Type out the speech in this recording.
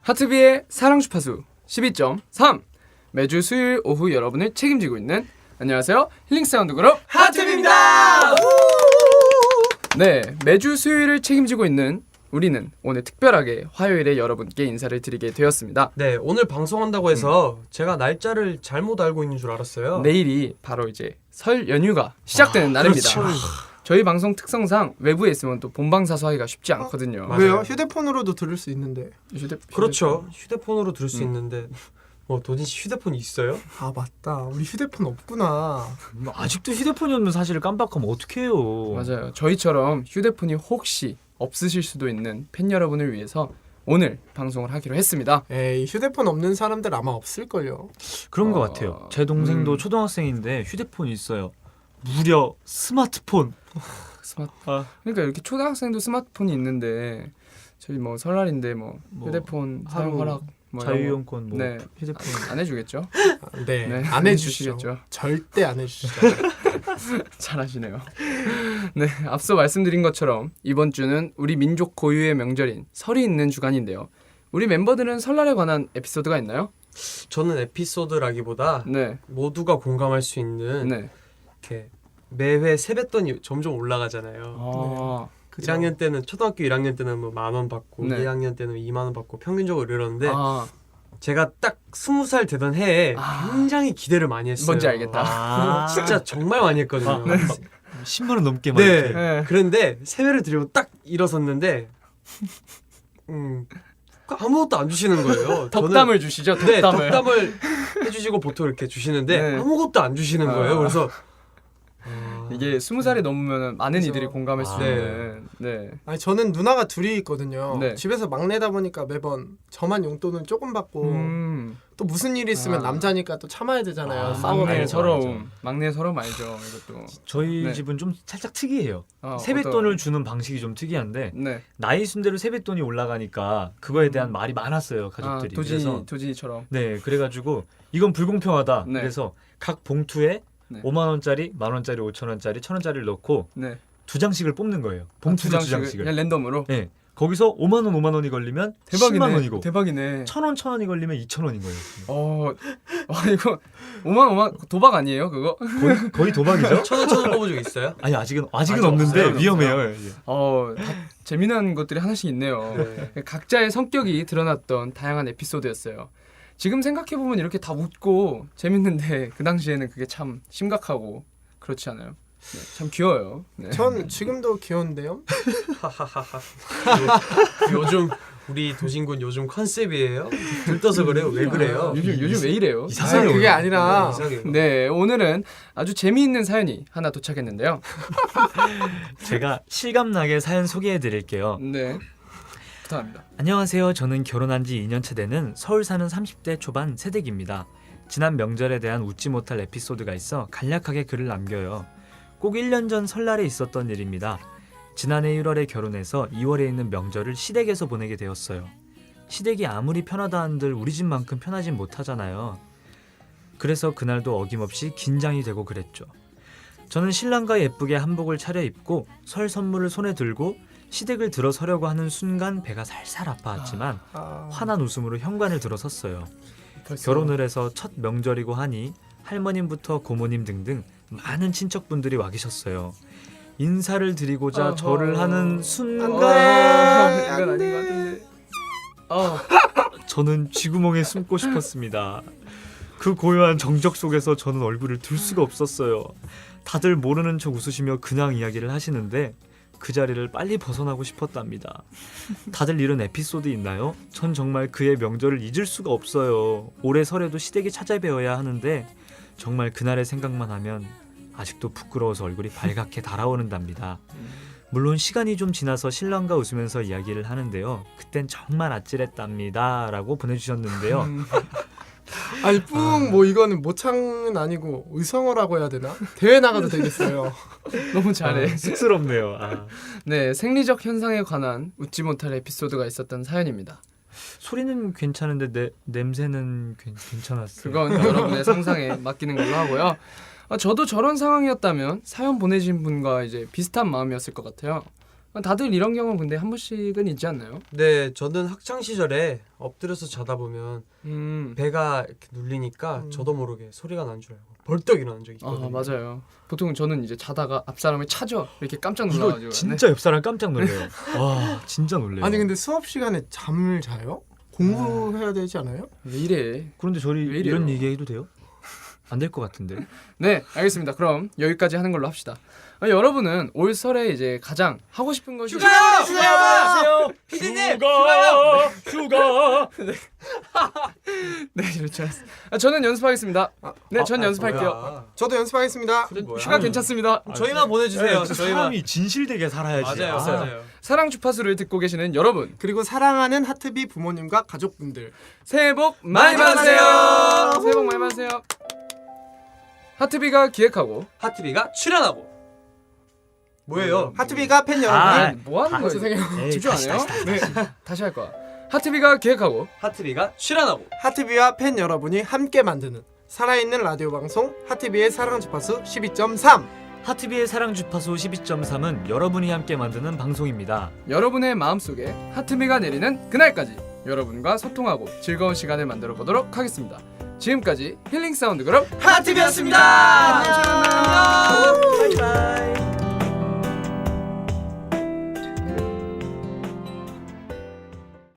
하트비의 사랑 주파수 12.3 매주 수요일 오후 여러분을 책임지고 있는 안녕하세요 힐링 사운드 그룹 하트비입니다. 네, 매주 수요일을 책임지고 있는 우리는 오늘 특별하게 화요일에 여러분께 인사를 드리게 되었습니다. 네, 오늘 방송한다고 해서 제가 날짜를 잘못 알고 있는 줄 알았어요. 내일이 바로 이제 설 연휴가 시작되는 날입니다. 그렇죠. 저희 방송 특성상 외부에 있으면 또 본방사수하기가 쉽지 않거든요. 맞아요. 왜요? 휴대폰으로도 들을 수 있는데. 그렇죠. 휴대폰으로 들을 수 있는데 도진 씨 휴대폰이 있어요? 아 맞다. 우리 휴대폰 없구나. 아직도 휴대폰이 없는 사실을 깜빡하면 어떡해요. 맞아요. 저희처럼 휴대폰이 혹시 없으실 수도 있는 팬 여러분을 위해서 오늘 방송을 하기로 했습니다. 에이 휴대폰 없는 사람들 아마 없을걸요. 그런 것 같아요. 제 동생도 초등학생인데 휴대폰이 있어요. 무려 스마트폰. 그러니까 이렇게 초등학생도 스마트폰이 있는데 저희 뭐 설날인데 뭐 휴대폰 사용 허락 뭐 자유이용권 뭐 네. 휴대폰 안 해주겠죠? 네, 네, 안 해주시죠. 해주시겠죠. 절대 안 해주시죠. 잘하시네요. 네, 앞서 말씀드린 것처럼 이번 주는 우리 민족 고유의 명절인 설이 있는 주간인데요. 우리 멤버들은 설날에 관한 에피소드가 있나요? 저는 에피소드라기보다 네, 모두가 공감할 수 있는 네. 이렇게 매회 세뱃돈이 점점 올라가잖아요. 아, 1학년 때는 초등학교 1학년 때는 뭐 10,000원 받고 네. 2학년 때는 20,000원 받고 평균적으로 이러는데 아, 제가 딱 20살 되던 해에 굉장히 기대를 많이 했어요. 뭔지 알겠다. 아, 진짜 정말 많이 했거든요. 10만 원 넘게 막 네. 이렇게. 네. 그런데 세배를 드리고 딱 일어섰는데 아무것도 안 주시는 거예요. 덕담을 주시죠. 네, 덕담을. 덕담을 해주시고 보통 이렇게 주시는데 네. 아무것도 안 주시는 거예요. 그래서 이게 20살이 넘으면 많은 그죠. 이들이 공감할 수 네. 있는. 네. 아니 저는 누나가 둘이 있거든요. 네. 집에서 막내다 보니까 매번 저만 용돈을 조금 받고 또 무슨 일이 있으면 아. 남자니까 또 참아야 되잖아요. 아, 싸워도 막내 알죠, 서러움. 막내 서러움 알죠. 이것도. 저희 네. 집은 좀 살짝 특이해요. 어, 세뱃돈을 주는 방식이 좀 특이한데 네. 나이 순대로 세뱃돈이 올라가니까 그거에 대한 말이 많았어요, 가족들이. 그래서 도진이처럼. 네, 그래가지고 이건 불공평하다. 네. 그래서 각 봉투에 네. 5만 원짜리, 10,000원짜리, 5,000원짜리, 1,000원짜리를 넣고 네. 2장씩을 뽑는 거예요. 봉투 두 장씩을. 그냥 랜덤으로. 네, 거기서 5만 원, 5만 원이 걸리면 대박이네. 10만 원이고 대박이네. 1,000원, 1,000원이 걸리면 2,000원인 거예요. 이거 5만 도박 아니에요, 그거? 거의 도박이죠? 천원 뽑은 적 있어요? 아니 아직은 아직 없는데 없어요. 위험해요. 다 재미난 것들이 하나씩 있네요. 네. 각자의 성격이 드러났던 다양한 에피소드였어요. 지금 생각해보면 이렇게 다 웃고 재밌는데 그 당시에는 그게 참 심각하고 그렇지 않아요? 네, 참 귀여워요. 네. 전 지금도 귀여운데요. 요즘 우리 도진군 요즘 컨셉이에요? 들떠서 그래요? 왜 그래요? 요즘 왜 이래요? 이상해요. 그게 아니라 이상해요. 네, 오늘은 아주 재미있는 사연이 하나 도착했는데요. 제가 실감나게 사연 소개해 드릴게요. 네, 부탁합니다. 안녕하세요. 저는 결혼한 지 2년차 되는 서울 사는 30대 초반 새댁입니다. 지난 명절에 대한 웃지 못할 에피소드가 있어 간략하게 글을 남겨요. 꼭 1년 전 설날에 있었던 일입니다. 지난해 1월에 결혼해서 2월에 있는 명절을 시댁에서 보내게 되었어요. 시댁이 아무리 편하다 한들 우리 집만큼 편하진 못하잖아요. 그래서 그날도 어김없이 긴장이 되고 그랬죠. 저는 신랑과 예쁘게 한복을 차려입고 설 선물을 손에 들고 시댁을 들어서려고 하는 순간 배가 살살 아파왔지만 환한 웃음으로 현관을 들어섰어요. 결혼을 해서 첫 명절이고 하니 할머님부터 고모님 등등 많은 친척분들이 와 계셨어요. 인사를 드리고자 절을 하는 순간 이건 아닌 것 같은데. 저는 쥐구멍에 숨고 싶었습니다. 그 고요한 정적 속에서 저는 얼굴을 들 수가 없었어요. 다들 모르는 척 웃으시며 그냥 이야기를 하시는데 그 자리를 빨리 벗어나고 싶었답니다. 다들 이런 에피소드 있나요? 전 정말 그의 명절을 잊을 수가 없어요. 올해 설에도 시댁에 찾아뵈어야 하는데 정말 그날의 생각만 하면 아직도 부끄러워서 얼굴이 발갛게 달아오른답니다. 물론 시간이 좀 지나서 신랑과 웃으면서 이야기를 하는데요. 그땐 정말 아찔했답니다 라고 보내주셨는데요. 아니 뭐 이거는 모창은 아니고 의성어라고 해야 되나? 대회 나가도 되겠어요. 너무 잘해. 쑥스럽네요. 네, 생리적 현상에 관한 웃지 못할 에피소드가 있었던 사연입니다. 소리는 괜찮은데 냄새는 괜찮았어요. 그건 여러분의 상상에 맡기는 걸로 하고요. 저도 저런 상황이었다면 사연 보내신 분과 이제 비슷한 마음이었을 것 같아요. 다들 이런 경험 근데 한 번씩은 있지 않나요? 네, 저는 학창 시절에 엎드려서 자다 보면 배가 이렇게 눌리니까 저도 모르게 소리가 난 줄 알고 벌떡 일어난 적이 아 있거든요. 맞아요. 보통 저는 이제 자다가 앞 사람을 찾아 이렇게 깜짝 이거 놀라가지고 진짜 옆 사람 깜짝 놀래요. 와 진짜 놀래요. 아니 근데 수업 시간에 잠을 자요? 공부해야 되지 않아요? 왜 이래? 그런데 저희 왜 이래요? 이런 얘기해도 돼요? 안 될 것 같은데. 네, 알겠습니다. 그럼 여기까지 하는 걸로 합시다. 여러분은 올 설에 이제 가장 하고 싶은 것이 휴가요! 피디님! 휴가요! 휴가. 네, 그렇죠. 저는 연습하겠습니다. 네, 전 연습할게요. 뭐야. 저도 연습하겠습니다. 뭐야. 휴가 괜찮습니다. 저희만 보내주세요. 네, 저희만. 사람이 진실되게 살아야지. 맞아요, 맞아요. 사랑 주파수를 듣고 계시는 여러분, 그리고 사랑하는 하트비 부모님과 가족분들 새해 복 많이 받으세요. 새해 복 많이 받으세요. 하트비가 기획하고 하트비가 출연하고. 뭐예요? 하트비가 팬 여러분 아, 뭐 하는 거예요? 죄송해요. 에이, 집중 안 다시, 해요? 다시, 네, 다시 할 거야. 하트비가 기획하고 하트비가 출연하고. 하트비와 팬 여러분이 함께 만드는 살아있는 라디오 방송 하트비의 사랑 주파수 12.3 하트비의 사랑 주파수 12.3은 여러분이 함께 만드는 방송입니다. 여러분의 마음속에 하트비가 내리는 그날까지 여러분과 소통하고 즐거운 시간을 만들어 보도록 하겠습니다. 지금까지 힐링 사운드 그룹 하트비였습니다. 안녕. 바이바이.